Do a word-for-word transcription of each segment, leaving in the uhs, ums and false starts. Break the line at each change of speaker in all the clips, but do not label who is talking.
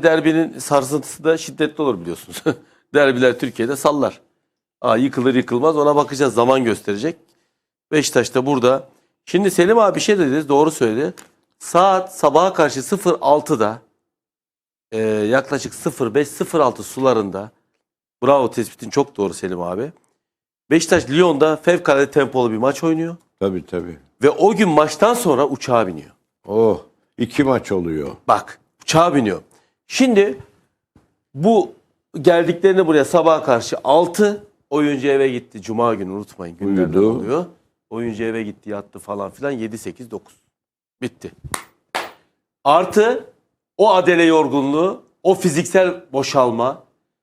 derbinin sarsıntısı da şiddetli olur biliyorsunuz. Derbiler Türkiye'de sallar. Aa, yıkılır yıkılmaz ona bakacağız. Zaman gösterecek. Beşiktaş da burada. Şimdi Selim abi bir şey dedi. Doğru söyledi. Saat sabaha karşı sıfır altıda e, yaklaşık sıfır beş sıfır altı sularında, bravo tespitin çok doğru Selim abi. Beşiktaş Lyon'da fevkalade tempolu bir maç oynuyor.
Tabii tabii.
Ve o gün maçtan sonra uçağa biniyor.
Oh, iki maç oluyor.
Bak, uçağa biniyor. Şimdi bu geldiklerini buraya sabaha karşı altı, oyuncu eve gitti. Cuma günü unutmayın. Günlerden
Uyudu.
oluyor. Oyuncu eve gitti, yattı falan filan. yedi sekiz dokuz. Bitti. Artı o adele yorgunluğu, o fiziksel boşalma.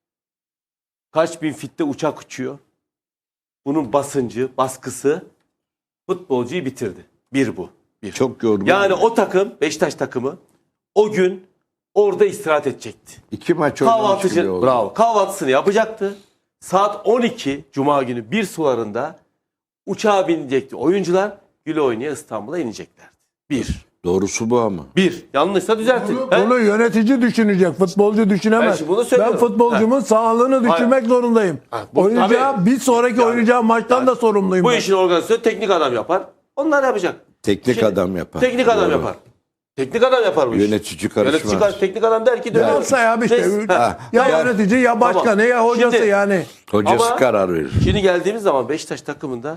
Kaç bin fitte uçak uçuyor. Bunun basıncı, baskısı futbolcuyu bitirdi. Bir bu. Bir.
Çok yorgun.
Yani o takım, Beşiktaş takımı o gün orada istirahat edecekti.
İki maç oynamış bile
Kahvaltıcı,
oldu.
bravo. Kahvaltısını yapacaktı. Saat on iki Cuma günü bir sularında uçağa binecekti. Oyuncular güle oynaya İstanbul'a ineceklerdi. Bir.
Doğrusu bu ama.
Bir. Yanlışsa düzeltin.
Bunu,
He?
bunu yönetici düşünecek. Futbolcu
Ben
düşünemez.
şimdi bunu
Ben,
söylüyorum.
futbolcumun sağlığını düşünmek zorundayım.
Ha, bu-
Oynayacağı,
tabii.
bir sonraki
Yani-
oynayacağı maçtan
yani
da sorumluyum.
Bu
ben.
işin organizasyonu teknik adam yapar. Onlar yapacak.
Teknik
Şimdi-
adam yapar.
Teknik adam
Doğru.
yapar. Teknik adam yapar bu işi.
Yönetici karışmaz.
Yönetici kar- teknik adam der ki döner.
Yoksa ya işte
Neyse.
ya, ya
Ya-
yönetici ya başkanı
Tamam.
ya hocası
Şimdi-
yani.
Hocası
Ama-
karar verir.
Şimdi geldiğimiz zaman Beşiktaş takımında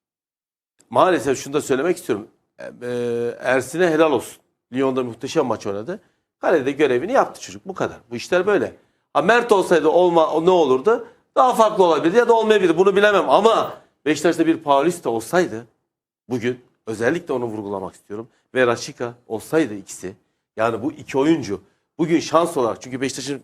maalesef şunu da söylemek istiyorum. Ee, Ersin'e helal olsun. Lyon'da muhteşem maç oynadı. Kalede görevini yaptı çocuk. Bu kadar. Bu işler böyle. Ha, Mert olsaydı olma, o ne olurdu? Daha farklı olabilirdi ya da olmayabilirdi. Bunu bilemem ama Beşiktaş'ta bir Paulista olsaydı bugün özellikle onu vurgulamak istiyorum. Ve Rashica olsaydı ikisi. Yani bu iki oyuncu bugün şans olarak, çünkü Beşiktaş'ın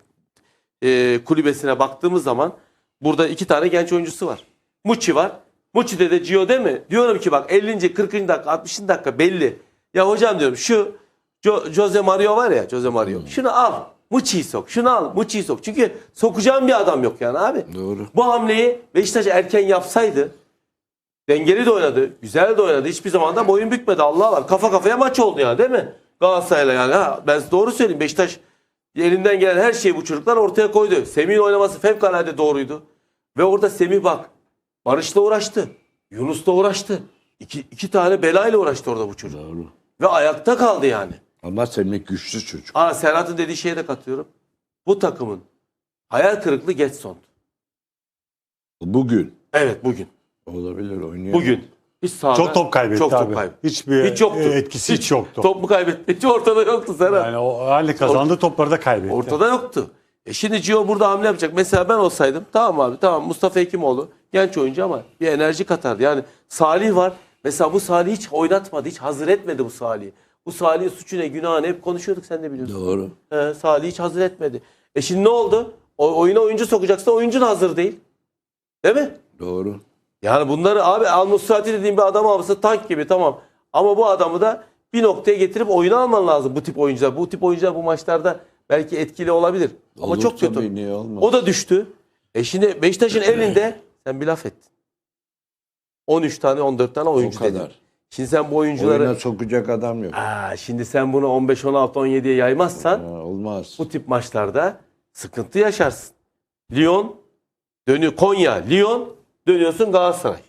e, kulübesine baktığımız zaman burada iki tane genç oyuncusu var. Muçi var. Muçi'de de Gio değil mi? Diyorum ki bak ellinci kırkıncı dakika altmışıncı dakika belli. Ya hocam diyorum şu Jo- Jose Mario var ya, Jose Mario. Şunu al. Muçi'yi sok. Şunu al. Muçi'yi sok. Çünkü sokacağım bir adam yok yani abi.
Doğru.
Bu hamleyi Beşiktaş erken yapsaydı, dengeli de oynadı, güzel de oynadı. Hiçbir zaman da boyun bükmedi. Allah var. Kafa kafaya maç oldu ya, değil mi? Galatasaray'la yani. Ha, ben size doğru söyleyeyim. Beşiktaş elinden gelen her şeyi bu çocuklar ortaya koydu. Semih'in oynaması fevkalade doğruydu. Ve orada Semih bak, Barış'la uğraştı. Yunus'la uğraştı. İki, iki tane belayla uğraştı orada bu çocuk.
Doğru.
Ve ayakta kaldı yani.
Ama Semih güçlü çocuk.
Aa, Serhat'ın dediği şeye de katılıyorum. Bu takımın hayal kırıklığı Getson.
Bugün.
Evet, bugün.
Olabilir, oynuyor.
Bugün. Hiç sahada,
Çok top kaybetti
çok
abi.
top kaybetti.
Hiçbir
Hiç yoktu.
etkisi hiç, yoktu.
Top mu kaybetti? Hiç ortada yoktu Serhat.
Yani o hali kazandı, topları da kaybetti.
Ortada yoktu. E şimdi Gio burada hamle yapacak. Mesela ben olsaydım, tamam abi, tamam, Mustafa Hekimoğlu genç oyuncu ama bir enerji katardı. Yani Salih var. Mesela bu Salih hiç oynatmadı. Hiç hazır etmedi bu Salih'i. Bu Salih'in suçu ne, günahı ne hep konuşuyorduk, sen de biliyorsun.
Doğru.
He, Salih hiç hazır etmedi. E şimdi ne oldu? O, oyuna oyuncu sokacaksa oyuncu da hazır değil. Değil mi?
Doğru.
Yani bunları abi, Al-Musrati dediğim bir adam alması tank gibi, tamam. Ama bu adamı da bir noktaya getirip oyuna alman lazım, bu tip oyuncular. Bu tip oyuncular bu maçlarda belki etkili olabilir. Ama
Olur
çok kötü.
tabii, niye olmaz?
O da düştü. E şimdi Beşiktaş'ın elinde sen bir laf ettin. on üç tane on dört tane oyuncu
O kadar.
dedin. Şimdi sen bu oyuncuları...
Oyuna sokacak adam yok.
Aa, şimdi sen bunu on beş on altı on yediye yaymazsan
Ha, olmaz.
bu tip maçlarda sıkıntı yaşarsın. Lyon dönüyor, Konya, Lyon, dönüyorsun Galatasaray.